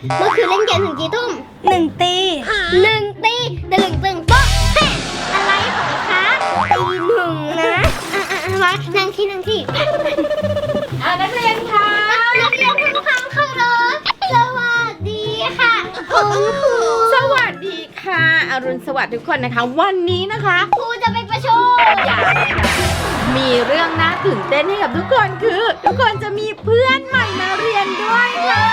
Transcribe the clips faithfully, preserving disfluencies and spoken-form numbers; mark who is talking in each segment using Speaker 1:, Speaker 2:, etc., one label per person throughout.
Speaker 1: เมื่อคืนเล่นเกมถึงกี่ทุ่ม
Speaker 2: หนึ่งตี
Speaker 1: หนึ่งตีตะลึงตึงโป๊ะเฮ้อะไรของคะตีหนึ่งนะอ่ะอ่ะอ่ะมานั่งที่นั่งที่
Speaker 3: อ่านักเรียนค่ะ
Speaker 1: นักเรียนทุกท่านเคารพสวัสดีค่ะคุณครู
Speaker 3: สวัสดีค่ะอรุณสวัสดิ์ทุกคนนะคะวันนี้นะคะ
Speaker 1: ครูจะไปประชุม
Speaker 3: อยากมีเรื่องน่าตื่นเต้นให้กับทุกคนคือ ทุกคนจะมีเพื่อนใหม่มาเรียนด้วยค่ะ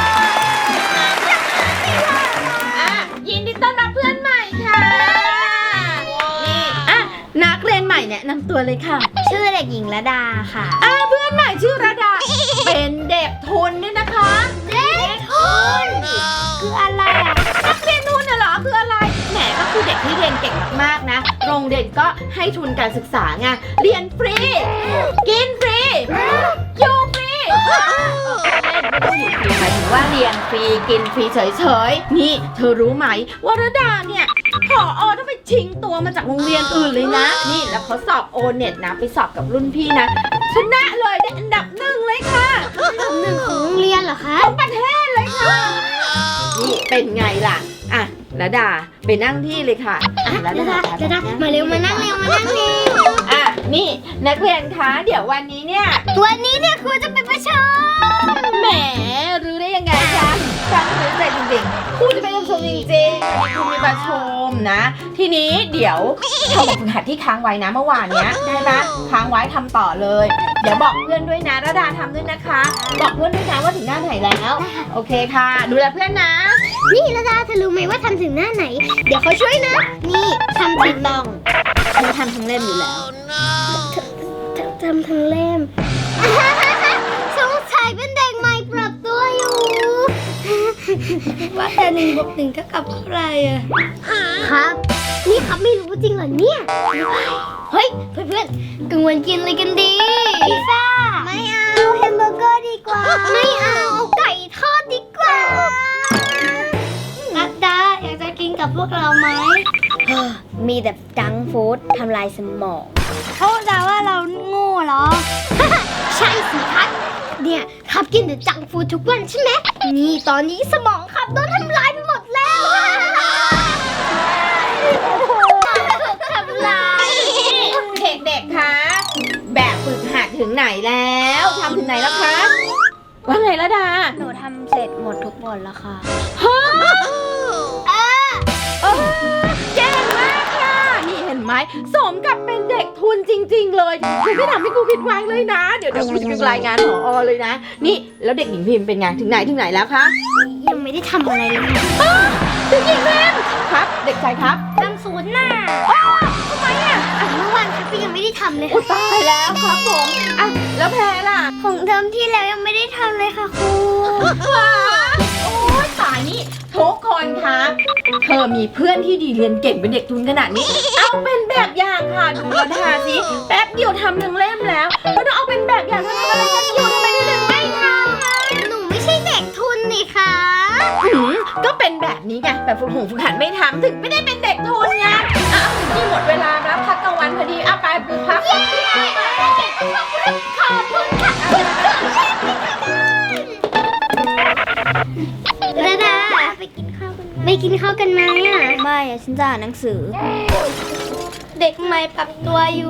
Speaker 3: อ่ะยินดีต้อนรับเพื่อนใหม่ค่ะนี่อ่ะนักเรียนใหม่แนะนำตัวเลยค่ะ
Speaker 1: ชื่อเด็กหญิงระดาค่ะ
Speaker 3: อ่ะเพื่อนใหม่ชื่อระดา เป็นเด็กทุนด้วยนะคะ
Speaker 1: เด็กทุนคืออะไรอ่ะ
Speaker 3: นักเรียนทุนน่ะเหรอคืออะไรแหมก็คือเด็กที่เรียนเก่งมากๆนะโรงเรียนก็ให้ทุนการศึกษาไงเรียนฟรีกินฟรีอยู่ฟรีเล่นไม่ต้องอยู่ฟรีหมายถึงว่าเรียนฟรีกินฟรีเฉยๆนี่เธอรู้ไหมว่าระดาเนี่ยผอต้องไปชิงตัวมาจากโรงเรียนอื่นเลยนะนี่แล้วเขาสอบโอเน็ตนะไปสอบกับรุ่นพี่นะชนะเลยได้อันดับหนึ่งเลยค่ะ
Speaker 1: หนึ่งของโรงเรียนเหรอคะ
Speaker 3: ทั้งประเทศเลยค่ะนี่เป็นไงล่ะอ่ะระดาไปนั่งที่เลยค่ะอ่ะ
Speaker 1: ระดาระดามาเร็วมานั่งเร็วมานั่งเร็ว
Speaker 3: อ่ะนี่นักเรียนคะเดี๋ยววันนี้เนี่ย
Speaker 1: วันนี้เนี่ยครูจะไปประชุม
Speaker 3: แหมรู้ได้ยังไงคะฟังรู้ใจจริงๆครูจะไปประชุมจริงๆวันนี้ครูมีประชุมนะ ทีนี้เดี๋ยวทำแบบฝึกหัดที่ค้างไว้นะเมื่อวานเนี้ยได้ไหมค้างไว้ทำต่อเลย เดี๋ยวบอกเพื่อนด้วยนะระดาทำด้วยนะคะ บอกเพื่อนด้วยนะว่าถึงหน้าไหนแล้วโอเคค่ะดูแลเพื่อนนะ
Speaker 1: นี่ระดาเธอรู้ไหมว่าทำถึงหน้าไหน เดี๋ยวเขาช่วยนะ นี่ทำถึงลองเธอทำทั้งเล่มอยู่แล้วเธอทำทั้งเล่ม สงสัยเป็นเด็กใหม่ปรับตัวอยู่
Speaker 2: ว่าแต่หนึ่งบวกหนึ่งเท่ากับเท่าไหร่อะ
Speaker 1: ครับ นี่ครับไม่รู้จริงเหรอเนี่ย เฮ้ยเพื่อนๆกลางวันกินอะไรกันดีพิซซ่าไม่เอาแฮมเบอร์เกอร์ดีกว่า ไม่เอาเอาไก่ทอดดีกว่า
Speaker 2: นัดดาอยากจะกินกับพวกเราไหม
Speaker 1: มีแต่จังก์ฟู้ดทำลายสมอง
Speaker 2: เขาด่าว่าเราโง่เหรอ
Speaker 1: ใช่สิครับเนี่ยครับกินแต่จังก์ฟู้ดทุกวันใช่ไหมนี่ตอนนี้สมองครับโดนทำลายไปหมดแล้วทำลาย
Speaker 3: เด็กๆ คะ แบบฝึกหัดถึงไหนแล้วทำถึงไหนแล้วคะ ว่าไงละดา
Speaker 2: หนูทำเสร็จหมดทุกบทแล้วค่ะ
Speaker 3: ฮะเออเก่งมากค่ะ นี่เห็นไหมสมกับเป็นเด็กทุนจริงๆ เลยคุณไม่ทำให้ครูผิดหวังเลยนะ เดี๋ยวเดี๋ยวครูจะไปรายงานผอเลยนะ นี่แล้วเด็กหญิงพิมพ์เป็นไงถึงไหนถึงไหนแล้วคะ
Speaker 1: ยังไม่ได้ทำอะไรเลย
Speaker 3: เด็กหญิงพิมพ์ครับ เด็กชายครับ
Speaker 1: ทำศูนย์หน้า
Speaker 3: ทำไมอ่ะ
Speaker 1: อ่ะเมื่อวานครับก็ยังไม่ได้ทำเลย
Speaker 3: อุ
Speaker 1: ค่ะ
Speaker 3: ยตายแล้วครับผมอ่ะแล้วแพรล่ะ
Speaker 1: ของเทอมที่แล้วยังไม่ได้ทำเลยค่ะครู
Speaker 3: ว้าโอ้ยตายนี่ทุกคนคะเธอมีเพื่อนที่ดีเรียนเก่งเป็นเด็กทุนขนาดนี้ เอาเป็นแบบอย่างค่ะดูระดาสิแป๊บเดียวทำหนึ่งเล่มแล้วแล้วต้องเอาเป็นแบบอย่างทำอะไรกันอยู่ทำไมถึงไม่ทำอ่ะ
Speaker 1: หนูไม่ใช่เด็กทุนนี่ค่ะ
Speaker 3: หืมก็เป็นแบบนี้ไงแบบฝึกหูฝึกหัดไม่ทำถึงไม่ได้เป็นเด็กทุนไงอ้าวนี่หมดเวลาแล้วพักกลางวันพอดีเอาไปพัก
Speaker 1: ขอบคุณค่ะระดาไปกินข้าวกันไปกินข้าวกันไหมอ่ะ
Speaker 2: ไม่อะฉันจะอ่านหนังสือ เด็กใหม่ปรับตัวอยู่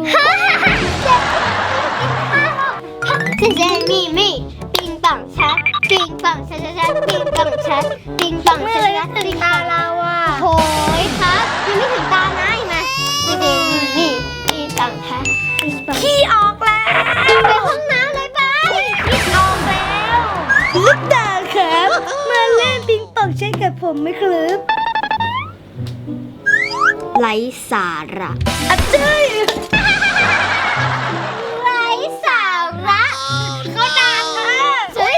Speaker 1: เจเจมี่มี่ปิงปองชัดปิงปองชัดชัดชัดปิงปองชัดปิงปองชัดชัดปิงปอง
Speaker 2: เราอะ
Speaker 1: โหยครับยังไม่ถึงตานะอีกไหมเจเจมี่มี่ปิงปองชัดปิงปอง
Speaker 2: ขี้ออกแล้ว
Speaker 1: ไปห้องน้ำเลยไป
Speaker 2: ขี้ออกแล้วลิปดาครับ มาเล่นปิงปองใช่กับผมไหมครับไร้สาระอ่ะเจ้ย
Speaker 1: ไร้สาระเขาด่าเธอเฮ้ย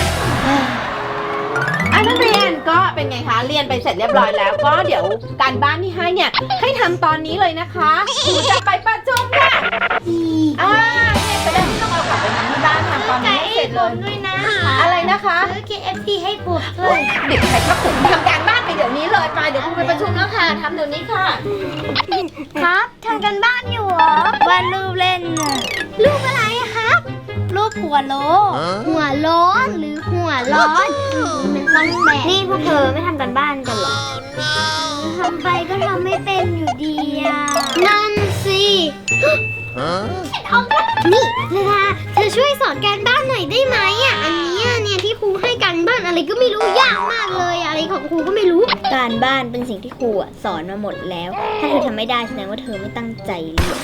Speaker 3: อ่ะนักเรียนก็เป็นไงคะเรียนไปเสร็จเรียบร้อยแล้วก็เดี๋ยวการบ้านที่ให้เนี่ยให้ทำตอนนี้เลยนะคะครูจะไปประชุมค่ะอ่าเนี่ยจะได้ไม่ต้องเอากลับไปทำที่บ้านทำตอนนี้ให้เสร็จเลย
Speaker 1: ด้วยนะ
Speaker 3: อะไรนะคะ
Speaker 1: ซื้อ เค เอฟ ซี ให้ผมด้
Speaker 3: โอ๊
Speaker 1: วย
Speaker 3: ยเด็กชายครับผมทำการบ้านไปเดี๋ยวนี้เลยไปเดี๋ยวครูไปประชุมแล้วค่ะทำเดี๋ยวนี้ค่ะ
Speaker 1: ครับทำกันบ้านอยู่เหรอ
Speaker 2: วาดรูปเล่นน่ะ
Speaker 1: รูปอะไรอะครับ
Speaker 2: รูปหัวโล
Speaker 1: หัวโล้นหรือหัวร้อนมันต้องแบก
Speaker 2: นี่พวกเธอไม่ทำกันบ้านกันเหรอ
Speaker 1: ทำไปก็ทำไม่เป็นอยู่ดีอ่ะนั่นสิเอาละนี่เวลาเธอช่วยสอนการบ้านหน่อยได้ไหมอ่ะอันเนี้ยเนี่ยที่ครูให้การบ้านอะไรก็ไม่รู้ยากมากเลยอะไรของครูก็ไม่รู้
Speaker 2: การบ้านเป็นสิ่งที่ครูอะสอนมาหมดแล้ว ถ้าเธอทำไม่ได้แสดงว่าเธอไม่ตั้งใจเรียน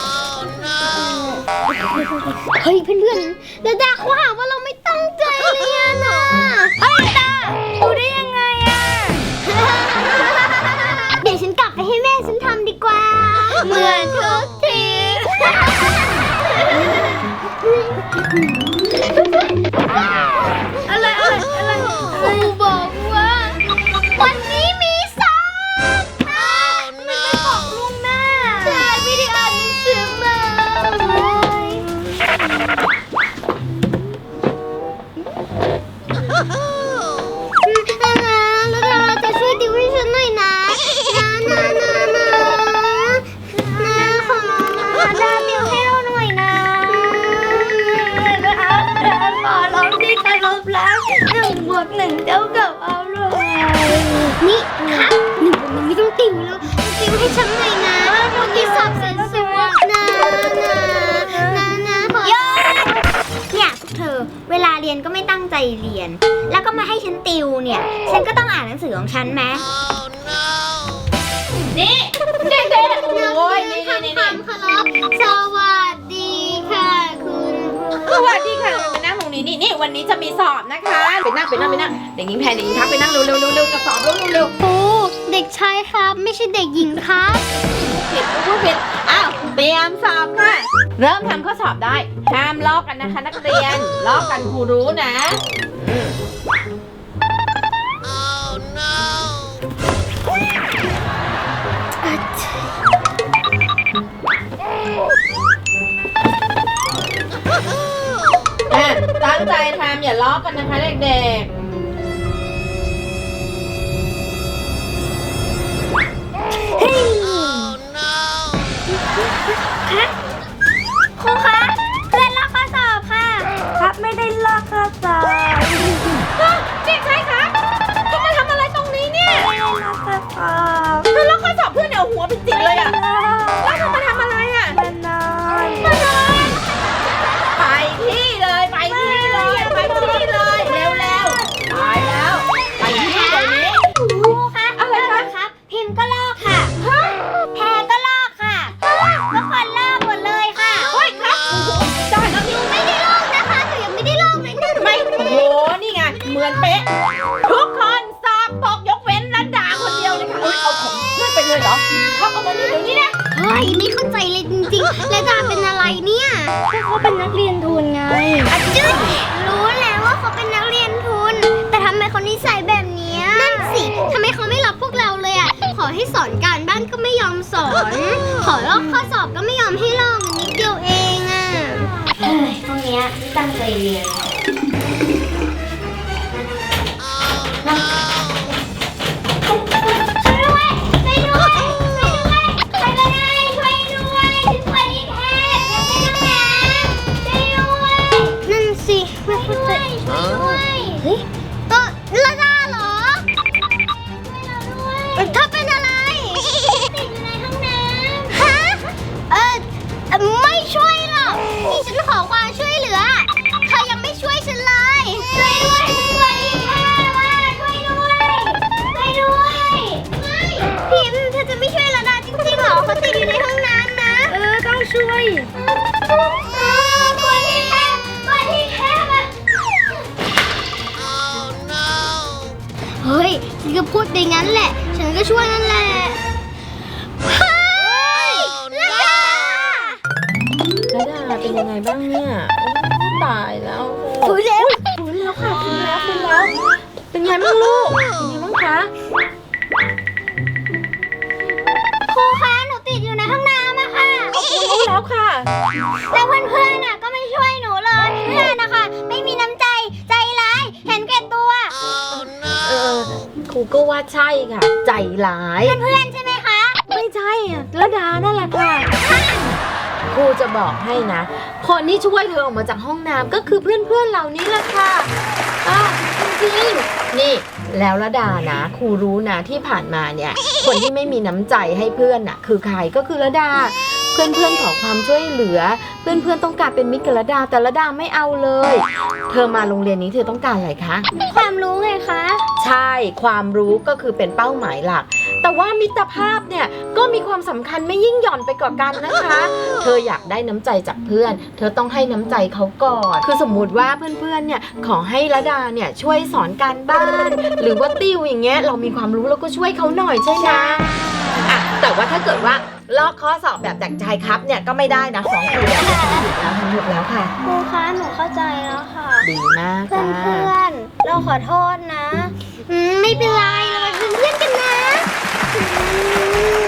Speaker 1: เฮ้ยเพื่อนๆดาดาเขาหาว่าเราไม่ตั้งใจเรียนอ่ะ
Speaker 2: เฮ้ยดาดูได้ยังไงอะ
Speaker 1: เดี๋ยวฉันกลับไปให้แม่ฉันทำดีกว่า
Speaker 2: เหมือนทุกที อะไรอะไรอะไร
Speaker 1: ครูบอกว่า วันนี้มีสอบไม่ไปบอกลุงแม่ใช่ไม่ได้อ่านหนังสือมานะนะแล้วเราจะช่วยดิวให้ฉันหน่อยนะนะนะนะนะนะขอร้องนะดาดิวให้เราหน่อยนะ
Speaker 2: ขอร้องที่เคารพรักหนึ่งบวกหนึ่งเท่ากับเอาเลย
Speaker 1: นี่ครับหนึ่งวันนี้ไม่ต้องติวแล้วติวให้ฉันหน่อยนะวันนี้สอบเสร็จสวยนะนะนะนะขอ
Speaker 2: โยเนี่ยพวกเธอ เวลาเรียนก็ไม่ตั้งใจเรียน แล้วก็มาให้ฉันติวเนี่ย ฉันก็ต้องอ่านหนังสือของฉันไหม
Speaker 3: นี่เด็กๆโอ้ยนี่
Speaker 1: ทำ
Speaker 3: นี่
Speaker 1: ค
Speaker 3: นี่
Speaker 1: วามเคารพสวัสดีค่ะคุณ
Speaker 3: สวัสดีค่ะไปนั่งตรงนี้นี่นี่วันนี้จะมีสอบนะคะไปนั่งไปนั่งไปนั่งเด็กหญิงแพนเด็กหญิงครับไปนั่งเร็วเร็วเร็วเร็วกับสอบเร็วเร็ว
Speaker 1: ครูเด็กชายครับไม่ใช่เด็กหญิงครับ
Speaker 3: ผิดพูดผิดอ้าวเตรียมสอบค่ะเริ่มทำข้อสอบได้ห้ามลอกกันนะคะนักเรียนลอกกันครูรู้นะอืมอ่ะตั้งใจทำอย่าลอกกันนะคะเด็กๆ
Speaker 2: ครูคะเพื่อนลอกข้อสอบค่ะ ครับไม่ได้ลอกข้อสอบ
Speaker 3: เด็กชายคะจะมาทำอะไรตรงนี้เนี่ย
Speaker 2: ไม่ได้ลอกข้อสอบ
Speaker 3: เธอลอกข้อสอบเพื่อนเนี่ยเอาหัวไปจิกเลยอะแล้วเธอมาทำอะไรอะ
Speaker 2: มานอน
Speaker 3: ไปที่เลยไปที่เลยไปที่เลยเร็วเร็วๆไปแล้วไปที่เดี๋ยวนี้
Speaker 2: ครูคะ
Speaker 3: อะไรคะ
Speaker 2: ครับพิมพ์ก็ลอกค่ะแพรก็ลอกค่ะทุกคนลอกหมดเลยค่ะ
Speaker 3: เฮ้ยครับโอ้โหได้แล้วนี่
Speaker 1: ไม่ได้ลอกนะคะหนูยังไม่ได้ลอกเลยนะ
Speaker 3: ไม่โอ้โหนี่ไงเหมือนเป๊ะทุกคนสอบตกยกเว้นรัตดาคนเดียวเลยค่ะเอ้ยเอาของเพื่อนไปเลยเหรอเขาเอามานี่เดี๋ยวนี้นะ
Speaker 1: เฮ้ยไม่เข้าใจเลยจริงๆและดาเป็นอะไรเนี่ย
Speaker 2: เขาเป็นนักเรียนทุนไง
Speaker 1: อะจืดรู้แล้วว่าเขาเป็นนักเรียนทุน แต่ทำไมเขานิสัยแบบเนี้ยนั่นสิทำไมเขาไม่รับพวกเราเลยอ่ะขอให้สอนการบ้านก็ไม่ยอมสอน ขอลอกข้อสอบก็ไม่ยอมให้ลอกนิดเดียวเองอ่ะ
Speaker 2: เฮ้ยพวกเนี้ยไม่ตั้งใจเรียน
Speaker 1: ช่วยด้วยช่วยด้วยช่วยด้วยใครก็ได้ช่วยด้วยฉันป่วยที่แท้ช่วยด้วยช่วยด้วยนั่นสิไม่เข้าใจช่วยด้วยเฮ้ยก็ละดาเหรอช่วยเราด้วยเธอเป็นอะไรติดอยู่ในห้องน้ำฮะเออเอ่อไม่ช่วยหรอกนี่ฉันขอความช่วยเหลือเธอยังไม่ช่วยฉันเลยช่วยด้วยฉันป่วยที่แท้ว่าช่วยด้วยช่วยด้วยไม่พิมพ์เธอจะไม่ช่วยละดาจริงๆเหรอเขาติดอยู่ในห้องน้ำนะ
Speaker 2: เออต้องช่วย
Speaker 1: ป่วยที่แท้ป่วยที่แท้อะเฮ้ยฉันก็พูดไปงั้นแหละ ฉันก็ช่วยนั่นแหละ เฮ้ยละดา
Speaker 3: รัตดาเป็นยังไงบ้างเนี่ยโอ้ตายแล้ว
Speaker 1: ถูเร็ว
Speaker 3: ฟื้นแล้วค่ะฟื้นแล้วฟื้นแล้วเป็นไงบ้างลูกเป็นไงบ้างคะ
Speaker 1: ครูคะหนูติดอยู่ในห้องน้ำอะค่ะ
Speaker 3: รู้แล้วค่ะ
Speaker 1: แล้วเพื่อนๆน่ะก็ไม่ช่วยหนูเลย เพื่อนนะคะไม่มีน้ำใจ ใจร้าย เห็นแก่ตัว
Speaker 3: เออครูก็ว่าใช่ค่ะ ใจร้าย
Speaker 1: เพื่อนๆใช่ไหมคะ
Speaker 3: ไม่ใช่อ่ะระดานั่นแหละค่ะครูจะบอกให้นะ คนที่ช่วยเธอออกมาจากห้องน้ำก็คือเพื่อนๆเหล่านี้แหละค่ะอ่ะจริงๆนี่แล้วระดานะครูรู้นะที่ผ่านมาเนี่ยคนที่ไม่มีน้ำใจให้เพื่อนน่ะคือใครก็คือระดาเพื่อนๆขอความช่วยเหลือเพื่อนๆต้องการเป็นมิตรกับระดาแต่ระดาไม่เอาเลยเธอมาโรงเรียนนี้เธอต้องการอะไรคะ
Speaker 1: ความรู้ไงคะ
Speaker 3: ใช่ความรู้ก็คือเป็นเป้าหมายหลักแต่ว่ามิตรภาพเนี่ยก็มีความสำคัญไม่ยิ่งหย่อนไปกว่ากันนะคะ เธออยากได้น้ำใจจากเพื่อนเธอต้องให้น้ำใจเขาก่อนคือสมมุติว่าเพื่อนๆเนี่ยขอให้ระดาเนี่ยช่วยสอนการบ้านหรือว่าติวอย่างเงี้ยเรามีความรู้เราก็ช่วยเขาหน่อยใช่ไหมอ่ะแต่ว่าถ้าเกิดว่าลอกข้อสอบแบบจากใจครับเนี่ยก็ไม่ได้นะของครูเนี่ยหยุดแล้วหยุดแล้วค่ะ
Speaker 1: ครูคะหนูเข้าใจแล้วค่ะ
Speaker 3: ดีมาก
Speaker 1: เพื่อน
Speaker 3: จ้า
Speaker 1: เพื่อนๆเราขอโทษนะอืมไม่เป็นไรเราเป็นเพื่อนกันนะอืม